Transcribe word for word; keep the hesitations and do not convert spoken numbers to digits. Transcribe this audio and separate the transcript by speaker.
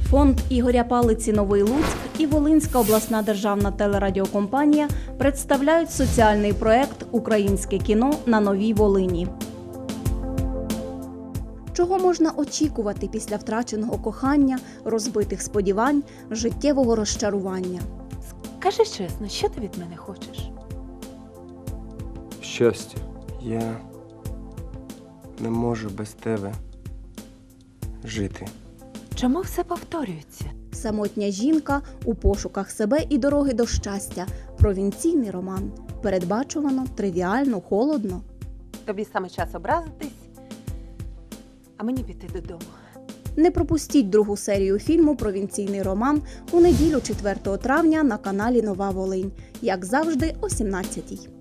Speaker 1: Фонд Ігоря Палиці «Новий Луцьк» і Волинська обласна державна телерадіокомпанія представляють соціальний проект «Українське кіно на Новій Волині». Чого можна очікувати після втраченого кохання, розбитих сподівань, життєвого розчарування?
Speaker 2: Скажи чесно, що ти від мене хочеш?
Speaker 3: Щастя, я не можу без тебе жити.
Speaker 2: Чому все повторюється?
Speaker 1: Самотня жінка у пошуках себе і дороги до щастя. Провінційний роман. Передбачувано, тривіально, холодно.
Speaker 2: Тобі саме час образитись, а мені піти додому.
Speaker 1: Не пропустіть другу серію фільму «Провінційний роман» у неділю четвертого травня на каналі «Нова Волинь». Як завжди, о сімнадцятій.